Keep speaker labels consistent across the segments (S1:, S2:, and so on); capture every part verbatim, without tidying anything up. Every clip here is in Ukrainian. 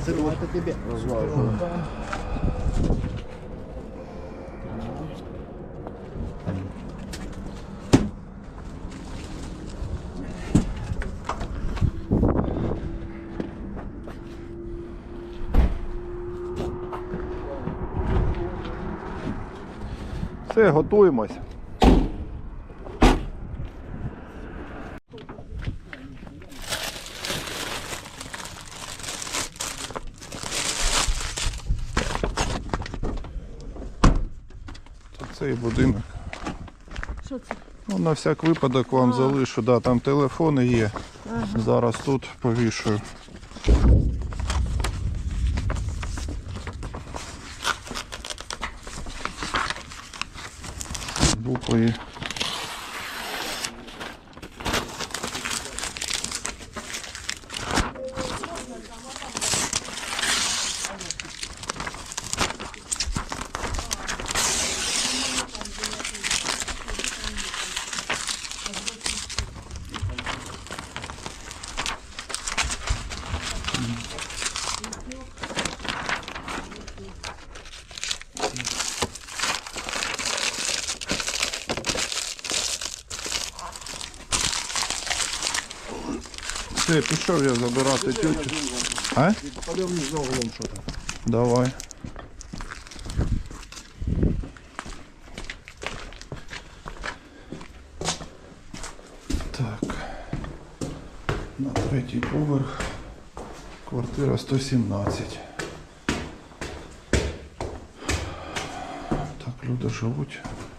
S1: Сыру, это тебе.
S2: Розважу. Все, готуємось. Цей будинок.
S3: Що це?
S2: Ну, на всяк випадок вам
S3: А.
S2: залишу, да, там телефони є.
S3: Ага.
S2: Зараз тут повішую. Буквою. Все, пішов я забирати тютю. А?
S1: Пойдем вниз за углом что-то.
S2: Давай. Так. На третій поверх. Квартира сто сімнадцять. Так, люди живуть.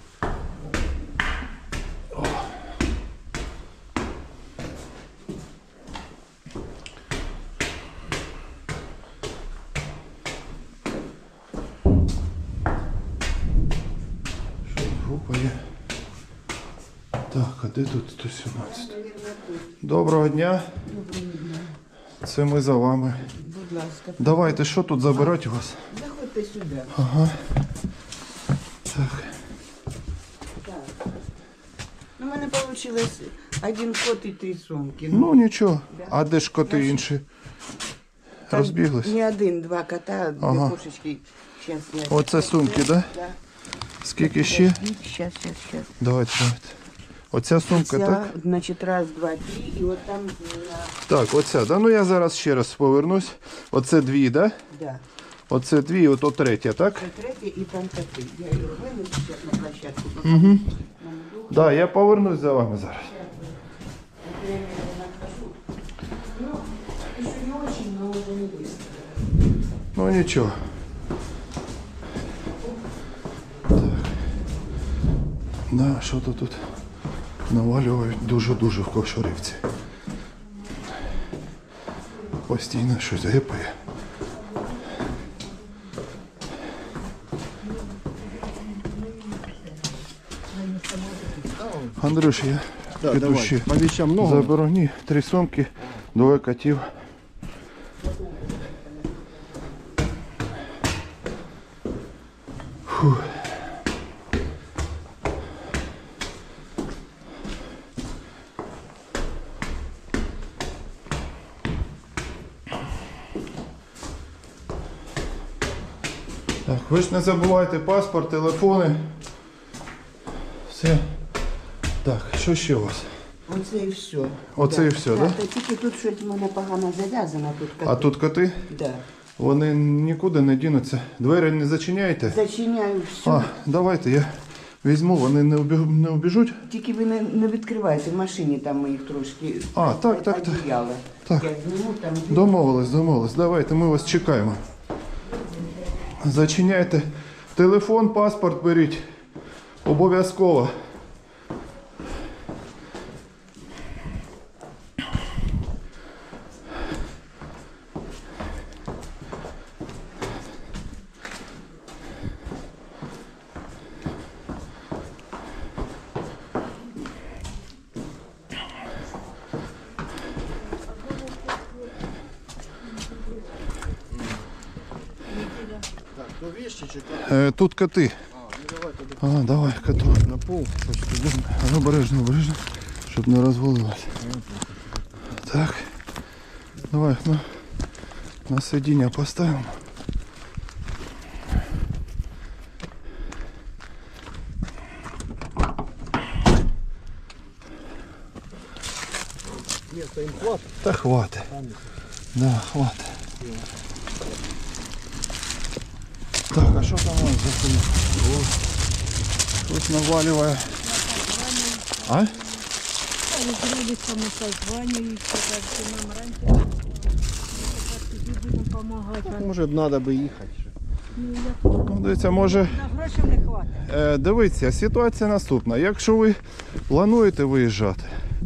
S2: Група є. Так, а де тут сто сімнадцять? Доброго дня. Це ми за вами.
S4: Будь ласка,
S2: Давайте, що тут забирати у вас?
S4: заходьте сюди.
S2: Ага. Так.
S4: Ну, у мене вийшло один кот і три сумки.
S2: Ну нічого. А де ж коти інші?
S4: Там
S2: Розбіглись?
S4: Не один, два кота, дві
S2: Ага.
S4: кошечки. Щас я...
S2: Оце сумки, так? Да?
S4: Да.
S2: Скільки ще?
S4: Щас, щас, щас.
S2: Давайте, давайте. Оця сумка,
S4: Ця,
S2: так?
S4: значить, раз, два, три, і от там, на...
S2: Так, оця. Да? Ну я зараз ще раз повернусь. Оце дві, так? Да?
S4: да.
S2: Оце дві, і ото третя, так?
S4: Це третє і там коти. Я їх винесу зараз на площадку.
S2: Угу. Так, да, я повернусь за вами зараз.
S4: Ну, еще не очень, но уже не быстро.
S2: Ну нічого. Так. Да, що то тут навалюють дуже-дуже в Кошарівці. Постійно щось гепає. Андрюш, я
S1: Да,
S2: піду
S1: давай.
S2: ще
S1: По вещам много.
S2: заберу. Ні, три сумки, двоє котів. Фух. Так, ви ж не забувайте паспорт, телефони. Все. Так, що ще у вас?
S4: Оце і все.
S2: Оце
S4: да.
S2: і все,
S4: да?
S2: да?
S4: Та тільки тут щось в мене погано зав'язано. Тут коти.
S2: А тут коти?
S4: Да.
S2: Вони нікуди не дінуться. Двері не зачиняєте?
S4: Зачиняю все.
S2: А, давайте я візьму, вони не, убіг... не убіжуть?
S4: Тільки ви не, не відкривайте в машині, там ми їх трошки
S2: А, так, так, так.
S4: одіяли.
S2: Так.
S4: Я зніму там.
S2: Домовились, домовились. Давайте, ми вас чекаємо. Зачиняйте. Телефон, паспорт беріть. Обов'язково.
S1: Так, то вещи чи
S2: Е, тут коти.
S1: А, ну давай тогда
S2: А, давай, коту.
S1: на пол. Хочешь, идем?
S2: А, обережно, обережно, щоб не розвалилось. Так. Давай, ну. На сидіння поставимо.
S1: Место им хватит.
S2: Та хватить. Да, хватить. Так, а що там у нас за хуйня? О, щось навалює. А?
S3: Родичам созваниваются, так что нам раньше тепер тоді будемо допомагати.
S1: Может, надо бы ехать.
S2: Ну, дивіться, може,
S4: На грошей не хватить.
S2: е, дивіться, ситуація наступна. Якщо ви плануєте виїжджати,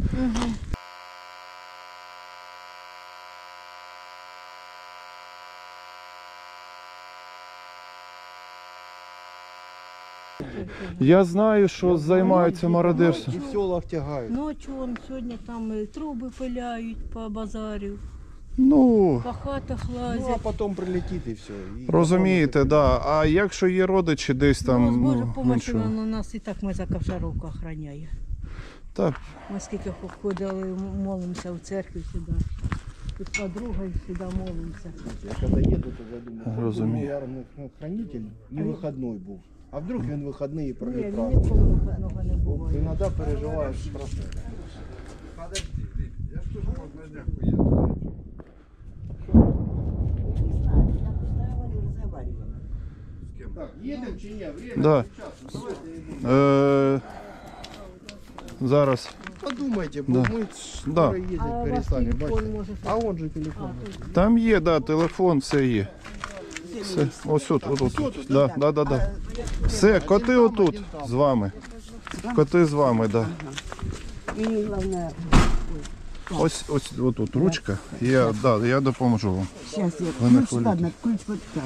S2: я знаю, що займаються мародерством.
S1: И в селах тягают.
S3: Ночі он сьогодні там е, труби пиляють по базарю,
S2: Ну,
S3: по хатах
S1: Ну, а
S3: лазять.
S1: потом прилетит и все.
S2: розумієте, да. А якщо є родичі десь там,
S3: Ну, з Божою
S2: ну,
S3: помощью
S2: нічого.
S3: воно нас і так ми за Ковшаровку охороняє.
S2: Так,
S3: Ми скільки ходили, молимося в церкві сюди. І з подругою сюди молимося.
S1: Я когда еду, то задумаю,
S2: Разумею.
S1: ярный хранитель не выходной был. А вдруг він выходные
S3: Ні, він
S1: пролетал?
S3: ніколи вихідного не буває.
S1: Иногда переживаешь страшно. Так, едем чи ні? Время
S2: да.
S1: сейчас.
S2: Е, зараз.
S1: Подумайте, бо
S2: Да.
S1: ми
S2: Да.
S1: скоро їздять,
S3: А у вас
S1: перестали, бачите.
S3: телефон може...
S1: А он же телефон.
S2: Там є, да, телефон, все є. Все. Ось тут, отут. тут. Да, да, да, да. Все, коти отут з вами. Коти з вами, да.
S4: Мені головне,
S2: Ось, ось отут ручка. Я, да, я допоможу вам.
S4: зараз я
S2: Ви не
S4: ключ,
S2: хвилюйтесь.
S4: ладно, ключ вот так.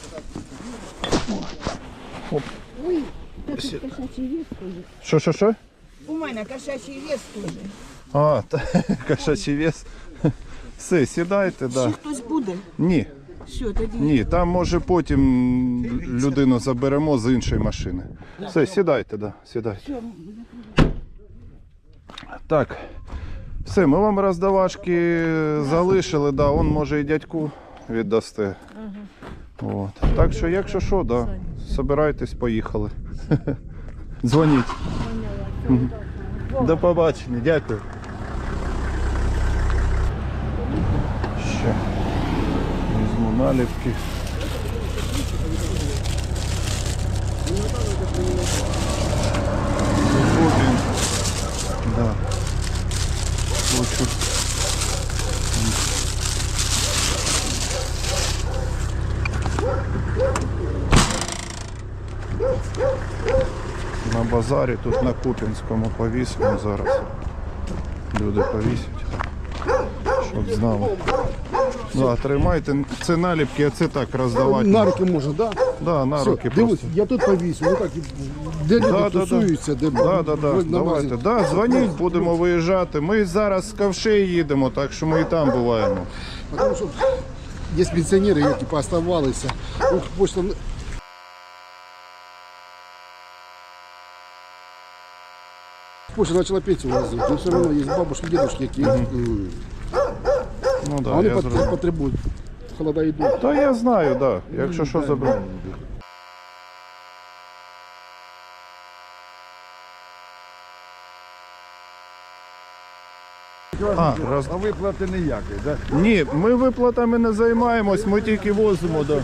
S2: Що, що, що?
S4: У мене кошачий вес теж.
S2: А, та, кошачий вес. Все, сідайте,
S4: Ще
S2: да.
S4: хтось буде?
S2: Ні,
S4: Що тоді?
S2: ні, там може потім людину заберемо з іншої машини. Все, сідайте, да, сідайте.
S4: Що?
S2: Так, все, ми вам роздавашки залишили, да, он може і дядьку віддасте. От. Так що, якщо що, да, собирайтесь, поїхали. Дзвоніть. Мгм. До побачення, дякую. Ще візьму наліпки. Купін. Да. Хочу. На базарі, тут на Куп'янському повісимо зараз. Люди повісять, щоб знали. Да, тримайте, це наліпки, а це так роздавати.
S1: На руки можна, да?
S2: Да, на
S1: Все,
S2: руки
S1: дивись,
S2: просто.
S1: я тут повісю, отак, де люди
S2: Да, да, да.
S1: тусуються, де
S2: Да, да, да.
S1: на
S2: Давайте.
S1: базі.
S2: Да, дзвоніть, будемо виїжджати. Ми зараз з Ковшей їдемо, так що ми і там буваємо.
S1: Потому що є пенсіонери, які пооставалися. Ух, почта... Почта почала пенсію возити, але все одно є бабушки, дедушки, які м,
S2: Ну
S1: а
S2: да,
S1: вони
S2: я
S1: пот-
S2: зрозумів.
S1: потребують. Холода йдуть.
S2: Та я знаю, да. Якщо що заберу. А, раз...
S5: А виплати ніякої, так?
S2: Ні, ми виплатами не займаємось, ми тільки возимо. Да.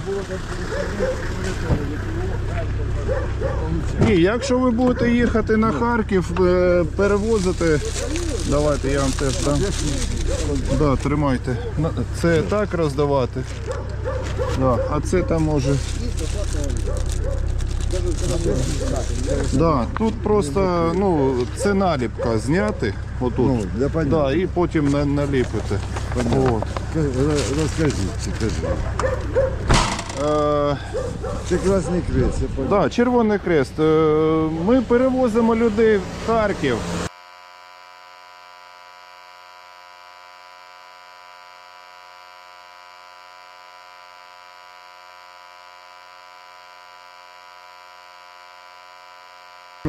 S2: Ні, якщо ви будете їхати на Харків, е, перевозити, давайте я вам теж дам. Да, тримайте. На- Це так роздавати. Да, а це там може. Да, тут просто, ну, це наліпка зняти. Отут.
S5: Ну, я понял.
S2: Да, і потім на- наліпити. От.
S5: Розкажіть, скажи.
S2: Е,
S5: Це Красний Крест, я понял.
S2: да, Червоний Крест. Е, ми перевозимо людей в Харків.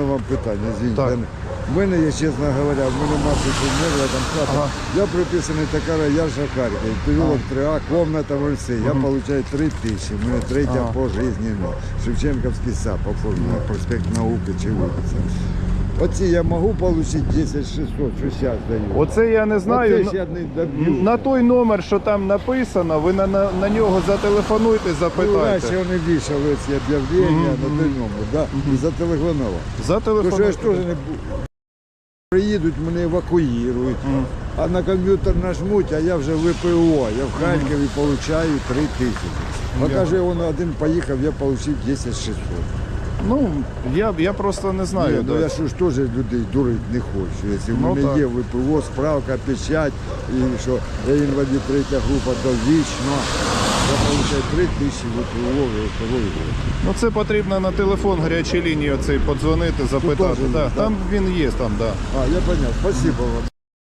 S5: вам питання, звідти.
S2: Так.
S5: В мене є, чесно говоря, в мене мати померла, там хата.
S2: Ага.
S5: Я приписаний така, я ж Харків, переулок три А, комната в Ольці. Я отримую три тисячі, в мене третя
S2: Ага.
S5: пожизненно. Шевченківський сад, оформлено, проспект Науки чи вулиця. Оці я можу отримати десять шістсот, що зараз даю.
S2: Оце я не знаю.
S5: Оце ж я не доб'ю.
S2: На той номер, що там написано, ви на, на, на нього зателефонуйте,
S5: Ну,
S2: запитайте.
S5: раніше вони вішали ці об'явлення на той номер, да? І зателефонував. Тому що я
S2: Зателефонуйте.
S5: ж теж не був. Приїдуть, мене евакуюють, а на комп'ютер нажмуть, а я вже в ВПО, я в Харкові отримую три тисячі. А каже, він один поїхав, я отримав десять шістсот.
S2: Ну, я, я просто не знаю.
S5: Ні, ну
S2: да.
S5: я ж теж людей дурити не хочу. Якщо в
S2: Ну,
S5: мене
S2: так.
S5: є ВПО, справка, печать, і що я інвалід третя група довічно, я отримую три тисячі ВПО, ВПО.
S2: Ну це потрібно на телефон гарячої лінії оцей подзвонити, запитати.
S5: теж
S2: Да,
S5: є,
S2: там він є, там, да.
S5: А, я поняв, спасибо вам.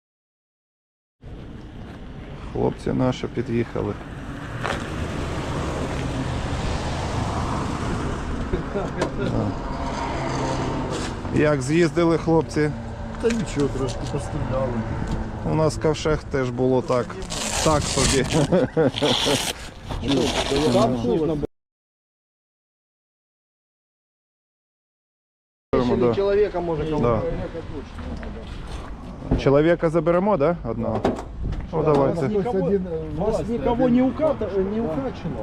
S2: Хлопці наші під'їхали. Да. Як з'їздили хлопці?
S1: Та нічого, трошки постріляли.
S2: У нас в ковшах теж було так. Так собі. Да.
S1: Чоловіка може
S2: Да. Чоловіка заберемо, да? Одного? Ну, давайте.
S1: Вас никого не, уката, не укачено.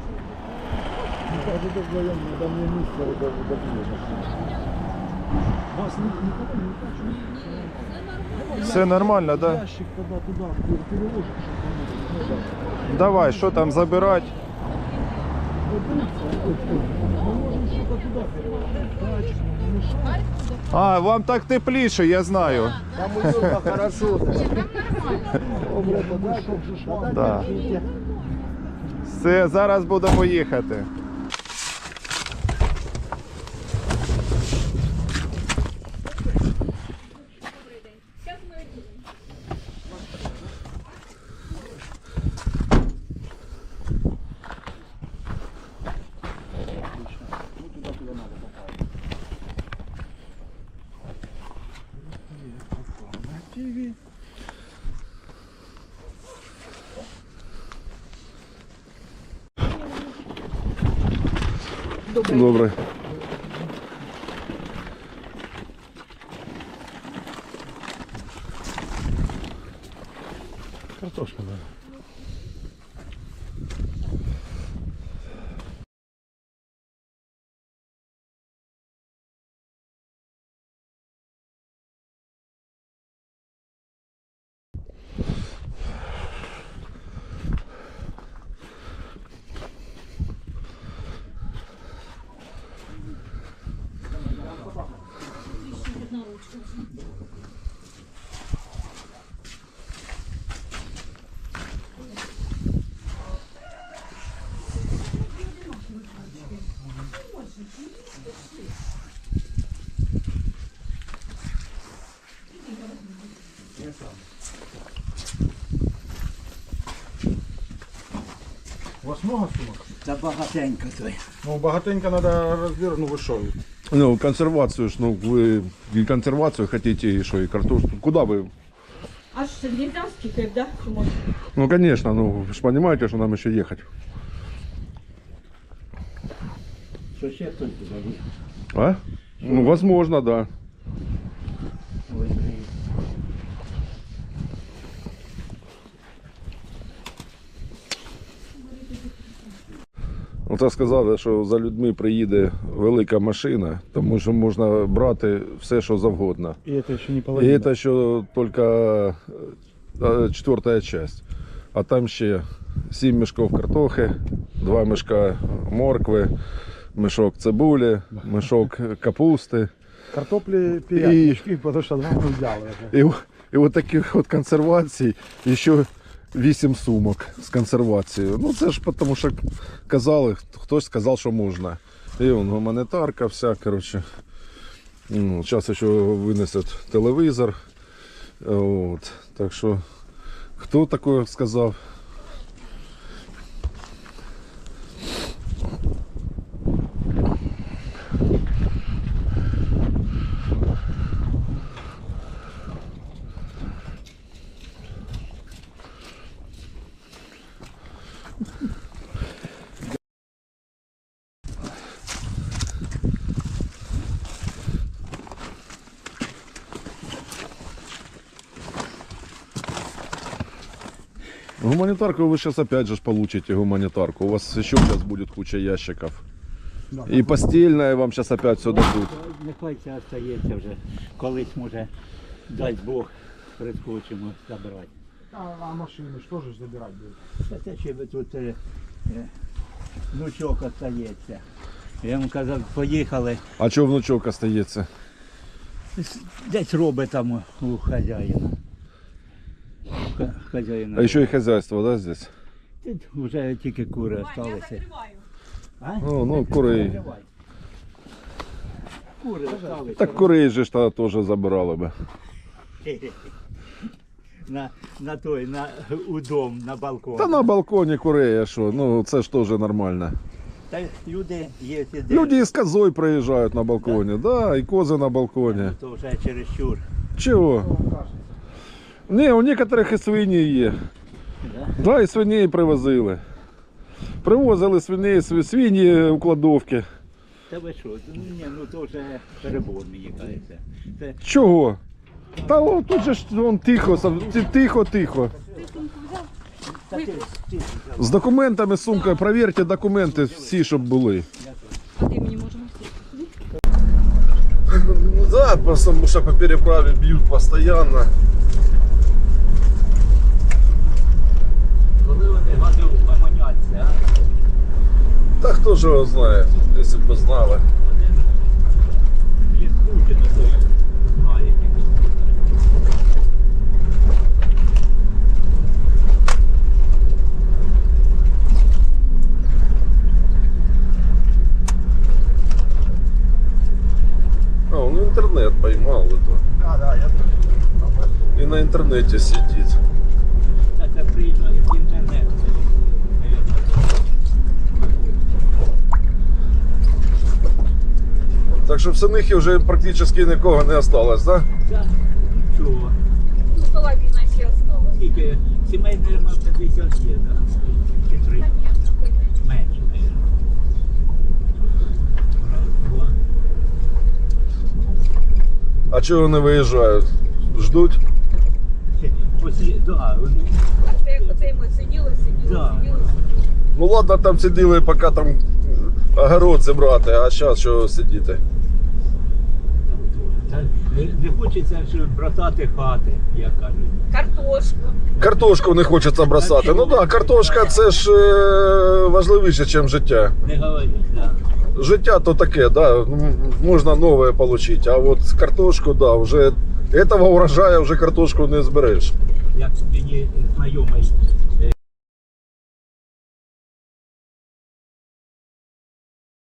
S1: Вас никого не укачено.
S2: Все нормально, да?
S1: Ящик тогда туда переложишь.
S2: Давай, що там забирати? А, вам так тепліше, я знаю.
S1: Там уютно, хорошо.
S2: Да. Все, зараз будемо їхати. Добре.
S1: Картошка, да. У вас много сумок?
S6: Та багатенько той.
S1: Ну, багатенько надо разбирать, ну вы что?
S7: Ну, консервацию, ж, ну, вы и консервацию хотите, и что, и картошку. Куда вы?
S3: Аж нельзя скільки, да? Чи можна?
S7: Ну, конечно, ну, вы же понимаете, что нам еще ехать.
S6: Що ще хтось туди?
S7: А? Ну, возможно, да. Оце сказали, що за людьми приїде велика машина, тому що можна брати все, що завгодно.
S1: И это еще не
S7: І
S1: половина.
S7: це ще тільки е, четверта часть. А там ще сім мішків картохи, два мішка моркви, мішок цибулі, мішок капусти.
S1: Картопли пять, потому что два мы взяли.
S7: І, і от таких от консервацій, і ще вісім сумок з консервацією. Ну це ж тому, що казали, хтось сказав, що можна. І вон гуманітарка вся, коротше. Ну, зараз ще винесуть телевізор. От. Так що, хто таке сказав? Гуманитарку вы сейчас опять же ж получите гуманитарку. У вас еще сейчас будет куча ящиков. И постельное вам сейчас опять все дадут.
S6: Нехай це остається вже. Колись може, дасть Бог, прискочимо забрати.
S1: А, а машины что же забирать будет?
S6: Та це ще би тут е, е, внучок остається. Я йому казав, поїхали.
S7: А что внучок остается?
S6: Десь робить там у хазяїна. Ха- Хазяїна.
S7: А еще и хозяйство, да, здесь?
S6: Тут вже тільки кури залишилися. А?
S7: Ну, ну, курей.
S6: Давай. Кури залишилися.
S7: Так курей же ж тогда тоже забирали бы.
S6: На, на той, на, у дом, на балкон.
S7: Та на балконі курей, а що? Ну це ж теж нормально.
S6: Та люди є сидять.
S7: Люди із козою приїжджають на балконі, да, і кози на балконі.
S6: То вже чересчур.
S7: Чого? Ні, у некоторих і свині є.
S6: Да?
S7: Да, і свиней привозили. Привозили свиней, св- свині у кладовки.
S6: Та ви що? Ну, ні, ну то вже перебор, мені кажеться. Це
S7: Чого? Та о, тут же ж вон тихо, сам- ти- тихо, тихо.
S6: та ти, ти,
S7: З документами, сумкою, перевірте документи всі, щоб були. Ну да, потому что по переправе бьют постоянно.
S6: коли вони гаду поманяться, а?
S7: Да кто же его знает, если бы знали.
S6: Один ліскучий на той знає.
S7: А, он интернет поймал это.
S1: Да, да, я тоже.
S7: И на интернете сидит.
S6: Та це приїжджає в інтернет.
S7: Так що в Синихі вже практично нікого не осталось, да?
S6: Та, нічого.
S8: Ну, половина ще осталась.
S6: Скільки? Сімей, мабуть, п'ятдесят є, так? Чи три? Менше, мабуть. Два.
S7: А чого не виїжджають? Ждуть?
S6: Після, да, вони,
S8: Оце, оце ми сиділи, сиділи,
S6: Да.
S8: сиділи.
S7: Ну ладно, там сиділи, поки там огород зібрати, а зараз що сидіти?
S6: та, не, не хочеться ж братати хати, як кажуть.
S8: Картошку.
S7: Картошку не хочеться бросати. Ну так, да, картошка це ж е, важливіше, ніж життя.
S6: Не говоріть, так.
S7: Життя то таке, да, м, можна нове отримати, а от картошку, да, вже этого урожаю вже картошку не збереш.
S6: Як мені знайомий